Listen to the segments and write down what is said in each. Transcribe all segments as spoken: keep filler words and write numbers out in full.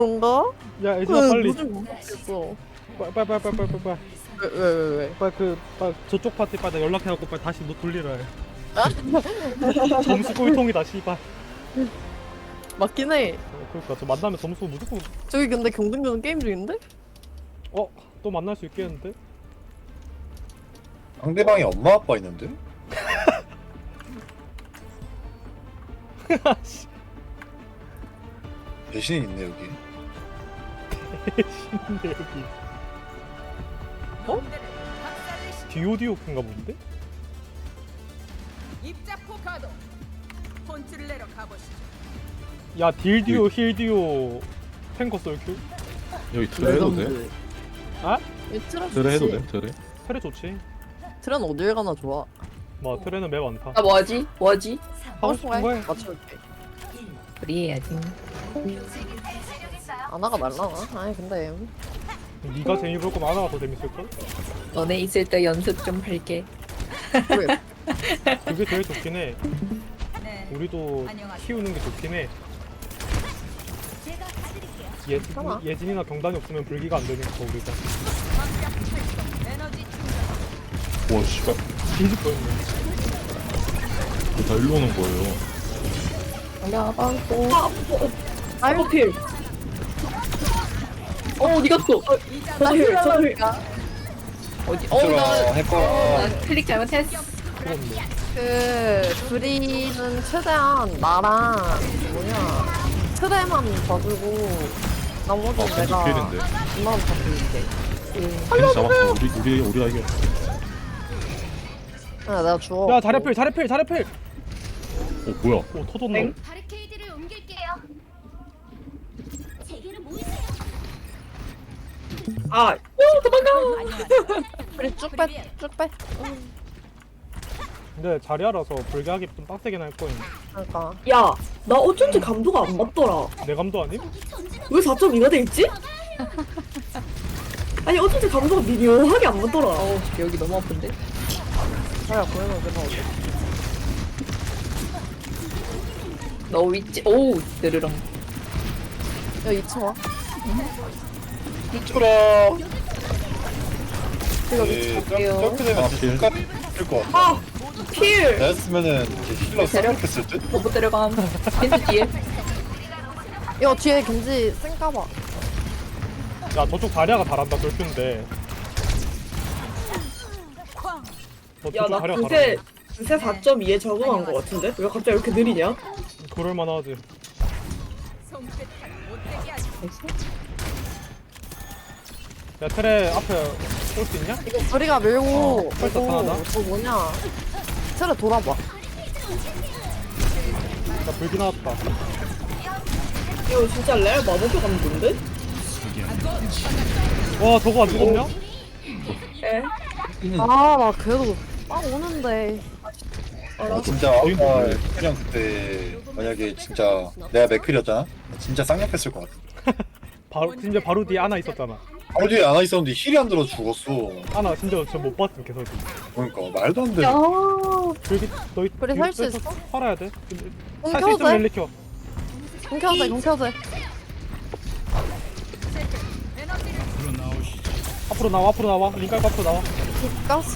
그런가? 야 애들아 빨리 무슨 모르겠어. 빨리 빨리 빨리 빨리 빨리 빨리 왜 왜 왜 왜? 빨리 그 빨리 저쪽 파티 빨리 나 연락해갖고 빨리 다시 너 돌리라 해. 점수 꼴통이다 씨발. 맞긴 해. 어, 그러니까 저 만나면 점수 무조건. 저기 근데 경쟁전 게임 중인데? 어? 또 만날 수 있겠는데? 상대방이 엄마 아빠 있는데? 배신이 있네 여기. 신인데 여기. 어? 디오디오인가 본데? 입자포 가도 본질을 내려 가보시죠. 야 딜디오 힐디오 탱커 썰큐? 여기 드레 해도 돼? 레전드. 아? 이 트레 드레 해도 좋지. 돼? 드레? 트레 좋지. 트레는 어딜 가나 좋아. 뭐 트레는 맵 많다. 아 뭐하지? 뭐하지? 하고 싶은 거해. 맞춰줄게. 우리 해야지. 아나가 말라나? 아니 근데 네가 재미 볼 거면 하나가 더 재밌을걸? 너네 있을 때 연습 좀 할게. 그래. 그게 제일 좋긴 해. 네. 우리도 안녕하세요. 키우는 게 좋긴 해. 예, 괜찮아. 예진이나 경단이 없으면 불기가 안 되니까 우리가. 광각 활성, 에너지 충전. 와 씨발 뒤질 뻔했네. 다 일로 오는 거예요. 야방고. 아이고 필. 어 어디 갔어? 저필 저필. 어디? 들어 어나 해봐. 클릭 잘못했어. 그렇네. 그 브리는 최대한 나랑 뭐냐 트레만 봐주고 나머지 아 는 겐지 내가 필인데. 엄마만 봐줄게. 겐지 잡았어. 우리 우리 우리가 이겨. 아 내가 주워. 야 자리필 자리필 자리필. 어 뭐야? 오 터졌네. 바리케이드를 옮길게요. 제게로 모이세요. 아, 오 도망가. 그래 쭉 빼, 쭉 빼. 응. 근데 자리알아서 불기하기 좀 빡세긴 할 거임. 그러니까 야, 나 어쩐지 감도가 안 맞더라. 내 감도 아님? 왜 사 점 이가 돼 있지? 아니 어쩐지 감도가 미묘하게 안 맞더라. 어우 여기 너무 아픈데. 자리야 보이면 내가 어디? 너 위치. 오우 느르렁. 야 이 층 와. 미쳐라. 이거 예, 미친. 갈게요. 점프 되면 아, 진짜 필. 끝 될것 같아. 아, 필. 나였으면은 이제 힐러 데려? 쌍욕했을 듯? 너못 데려감. 겐지 뒤에. 이거 뒤에 김지 쌩까봐. 야 저쪽 자리아가 잘한다 돌큐인데. 어, 야, 저쪽 나 자리아가 그새 잘한다. 그새 사 점 이에 적응한 거 같은데? 왜 갑자기 이렇게 느리냐? 그럴만하지. 손끝 못되게 하지. 야 트레 앞에 올 수 있냐? 이거 브리가 밀고 어, 벌써 이거 하나다? 저 뭐냐? 트레 돌아봐. 나 불기 나왔다. 이거 진짜 레알 마법의 감도인데? 와 저거 안 죽었냐? 에? 아 나 그래도 막 오는데. 아, 진짜 아까 그냥 그때 만약에 진짜 내가 맥클이었잖아? 진짜 쌍욕했을 것 같아. 바로 진짜 바로 뒤에 아나 있었잖아. 바로 뒤에 안와 있었는데 힐이 안 들어 죽었어. 아나 진짜 저 못 봤음 계속. 그러니까 말도 안 돼. 야. 불기 너희 그래, 살수 있어? 살아야 돼. 공 살수 켜도 있으면 돼? 릴리 켜. 공 켜도 돼, 공 켜도 돼. 앞으로 나와 앞으로 나와. 링깔 앞으로 나와. 가스.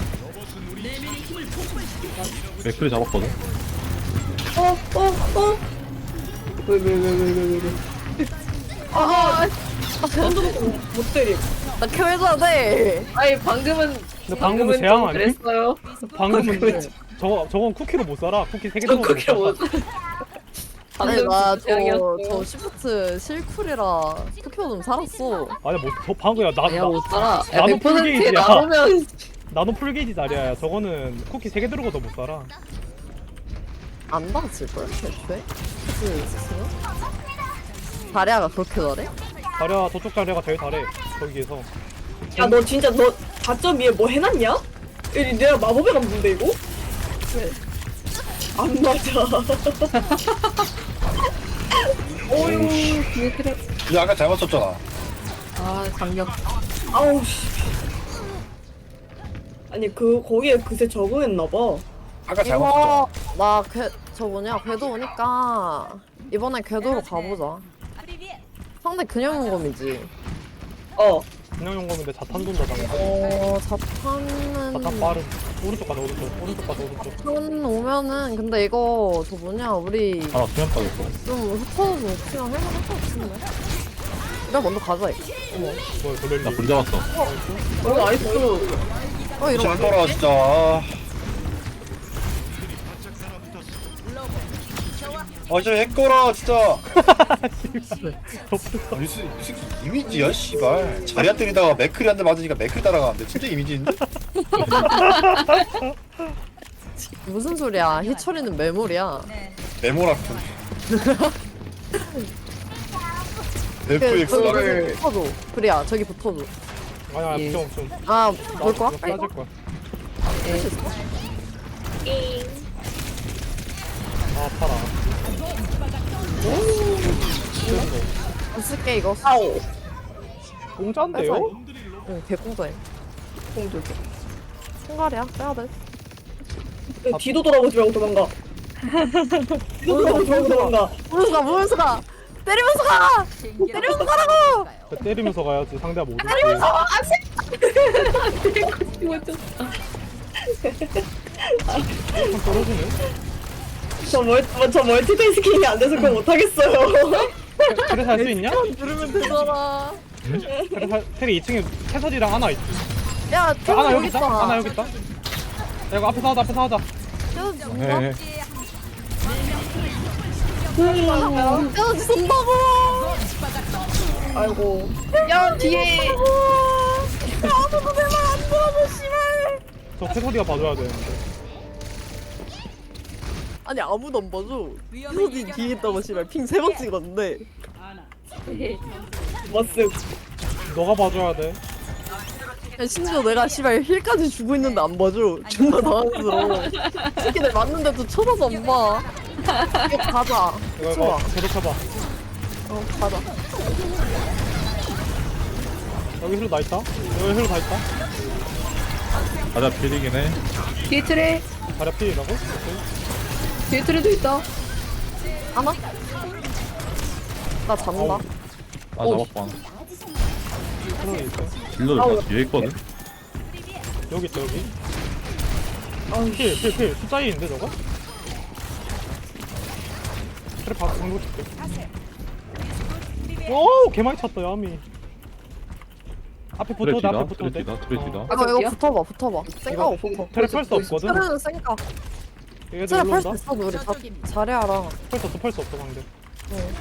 맥크리 잡았거든. 어, 어, 어. 왜, 왜, 왜, 왜, 왜, 왜, 왜. 아, 아, 손도 못 때림. 나 켜줘야 돼. 아니 방금은 근데 방금은 방금은 재앙 좀 아니? 그랬어요. 방금은 저거 저건 쿠키로 못 살아. 쿠키 세 개 저 정도 그렇게 못 못. 살아. 아니 방금 나저 재앙이었어. 저 시프트 실쿨이라 투표 좀 살았어. 아니야 뭐저 방금야 나 아니야 못 살아. 야, 나도 백 퍼센트 풀게이지야. 나오면 나도 풀게이지 자리야. 저거는 쿠키 세 개 들어가도 못 살아. 안 받았을 걸 애초에. 그치 있었으면. 다리아가 그렇게 잘해? 자리야 저쪽 자리가 제일 잘해. 거기에서. 야, 너 진짜 너 사 점 이에 뭐 해놨냐? 이 내가 마법의 감도인데 이거? 왜? 안 맞아. 오유 뒤에 트랩. 이 아까 잘 맞췄잖아. 아 강력. 아우 씨. 아니 그 거기에 그새 적응했나봐. 아까 잘 맞췄잖아. 이거 나저 뭐냐 궤도 오니까 이번에 궤도로 가보자. 프리비엣. 상대 그냥 용검이지. 어. 그냥 용검인데 자탄 돈다잖아. 어 자탄은 자탄 빠른. 오른쪽 가자 오른쪽. 오른쪽 가자 오른쪽. 자탄 오면은 근데 이거 저 뭐냐 우리 하나 수면 빠졌어. 좀 흩어져서 그냥 할만할 것 같은데. 내가 먼저 가자. 어머. 뭐야 돌릴리. 나불 잡았어. 어 나이스. 어 이런 잘 돌아 진짜. 아, 아 진짜 핵거라 진짜. 아니, 이 새끼 이 새끼 이미지야 씨발. 자리안 때리다가 맥클이 한 대 맞으니까 맥클 따라가는데 진짜 이미지인데? 무슨 소리야? 희철이는 매물이야. 메모라군. 그, 에프엑스를 저기 붙어줘. 그래야 저기 붙어줘. 아니 아니 예. 좀 좀. 아 볼 거야? 빠질 거야. 아 팔아. 안 쓸게 이거. 아오. 공짜인데요? 응 개공자해. 공돌. 총갈이야. 빼야 돼. 뒤도 돌아보지 말고 도망가. 뒤도 돌아보지 말고 도망가. 무면서 가. 무면서 가. 때리면서 가. 때리면서 가라고. 그 때리면서 가야지 상대가 못 때리면서 떨어지네. 저 멀, 저 멀티태스킹이 안 돼서 그거 못하겠어요. 그래 살 수 있냐? 누르면 되잖아. 그래 살 테리 이 층에 캐서디랑 하나 있지. 야 아, 태훈 하나 여기 여기 있다. 있다. 하나 여기 있다. 야, 이거 앞에서 하자 앞에서 하자. 태훈 준다. 네. 태훈 준다고. 아이고. 야 뒤에. 아무도 내 말 안 들어줘 씨발. 저 캐서디가 봐줘야 되는데. 아니 아무도 안 봐줘. 태훈이 뒤에 있다고 씨발 핑 세 번 찍었는데. 머쓱. 너가 봐줘야 돼. 야, 심지어 내가 씨발 힐까지 주고 있는데 안 봐줘. 존나 당황스러워. 새끼들 맞는데도 쳐다도 안 봐. 이거 가자. 이거 좋아. 이거 계속 해봐. 어 가자. 여기 힐로 나 있다. 여기 힐로 다 있다. 가자 필이긴 해. 뒤에 트레. 다리 필이라고? 뒤에 트레도 있다. 하나? 나 잡는다. 어우. 나 오. 잡았고 하나. 캐서디 있어. 딜러들 다 뒤에 있거든. 여기 있다 여기. 필, 필, 필. 숫자 이인데 저거? 그래 봐, 정도 줄게. 오, 개 많이 찼다 야미. 앞에 붙어도 돼, 앞에 붙어도 돼. 트레티다 트레티다. 어. 이거 어디야? 이거 붙어봐 붙어봐. 생각 없어. 테레 펄스 없거든? 테레는 생각. 얘들 테레 올라온다? 펄스 있어 우리 다 잘해라. 펄스 없어, 펄스 없어 상대. 응.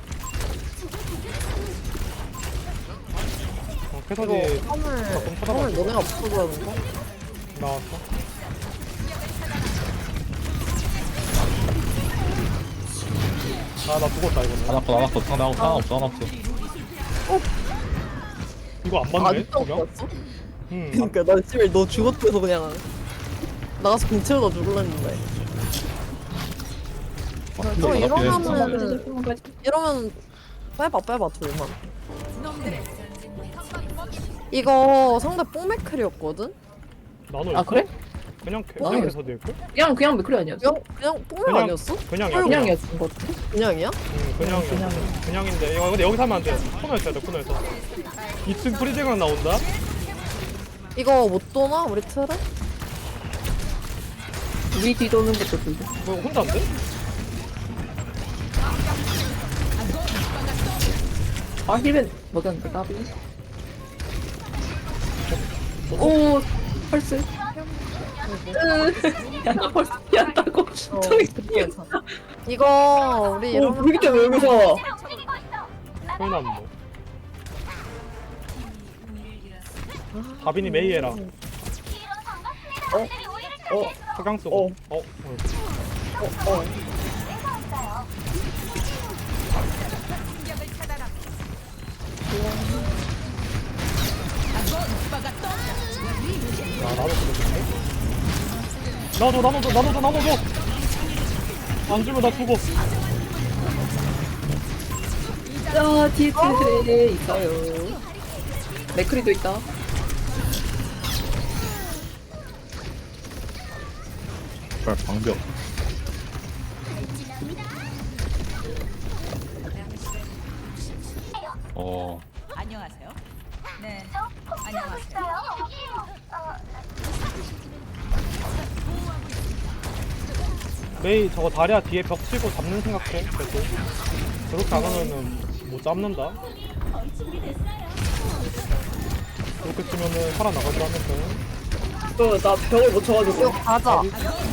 어, 캐서디 이거 화물 쳐다봐. 화물 너네가 붙어줘야 된다. 나왔어. 아, 나 죽었다 이거는. 하나 컷 하나 컷 상대 하나 하나 없어 하나 없어. 이거 안 아 맞네? 아직도 저기야? 없었어? 응. 그니까 나 씨발 너 죽었대서 그냥 나가서 공 채우다 죽을랬는데. 아, 저 딜러 이러면은 잡히네. 이러면 빼봐 빼봐 둘만. 이거 상대 뽕맥클이었거든? 나노 아 그래? 그냥 캐- 나노 그냥 캐서디일걸? 그냥 그냥 맥크리 아니었어? 그냥 그냥 뽕맥 그냥- 아니었어? 그냥이야. 그냥이었던 것 같아. 그냥이야? 응, 그냥 그냥인데 이거 근데 여기서 하면 안 돼. 코너에서 해야 돼 코너에서. 이 층 프리징은 나온다. 이거 못 도나 우리 틀에? 우리 뒤도는 것도 들고. 뭐 혼자인데? 아 힐벤 먹였는데 나비. 오 펄스. 야나 펄스 피한다고. 어, 저기 괜찮아. 이거 우리 오, 이러면 불기 때문에 여기서. 소연아 뭐. 다빈이 메이 해라. 어? 어? 석양 쓰고. 어. 어. 어. 어? 어? 야 나도 그러겠네. 나도 나도 나도 나도 나도. 안 주면 나 죽어. 자 뒤에 트레 있어요. 맥크리도 있다. 발 방벽. 어 안녕하세요. 네. 안녕하세요. 메이 저거 다리야 뒤에 벽 치고 잡는 생각해. 계속. 그렇게 안 하면은 못 잡는다. 그렇게 치면은 살아나가지 않는데. 그나 벽을 못 쳐가지고. 이거 가자.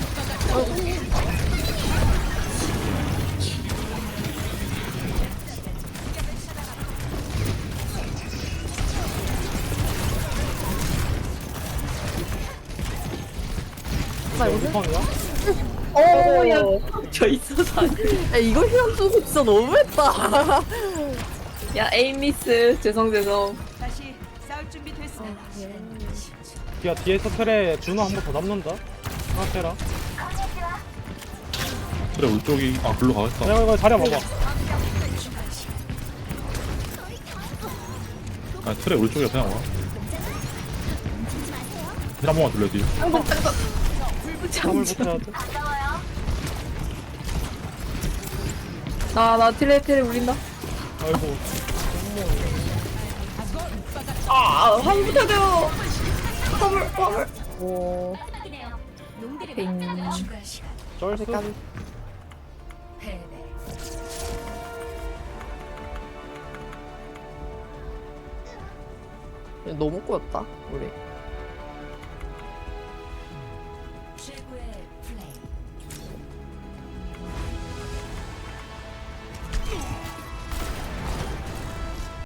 나 이거 우선이야? 어, 야, 저 있어서 안 돼. 야, 이거 휘연 쓰고 진짜 너무했다. 야 에임 미스. 죄송 죄송. 다시 싸울 준비 됐습니다. 야 뒤에서 틀에 준호 한 번 더 잡는다. 생각해라. 그래 울쪽이 아 글로 가겠다. 야 이거 자리야 봐봐. 아 틀에 울쪽이야 그냥 와. 한 번만 돌려야지. 잠을 못해야 돼. 나나 트레 트레 울린다. 아이고. 아 화물 붙어야 돼요. 화물 화물. 오, 빙. 쩔수? 까비. 너무 꼬였다, 우리.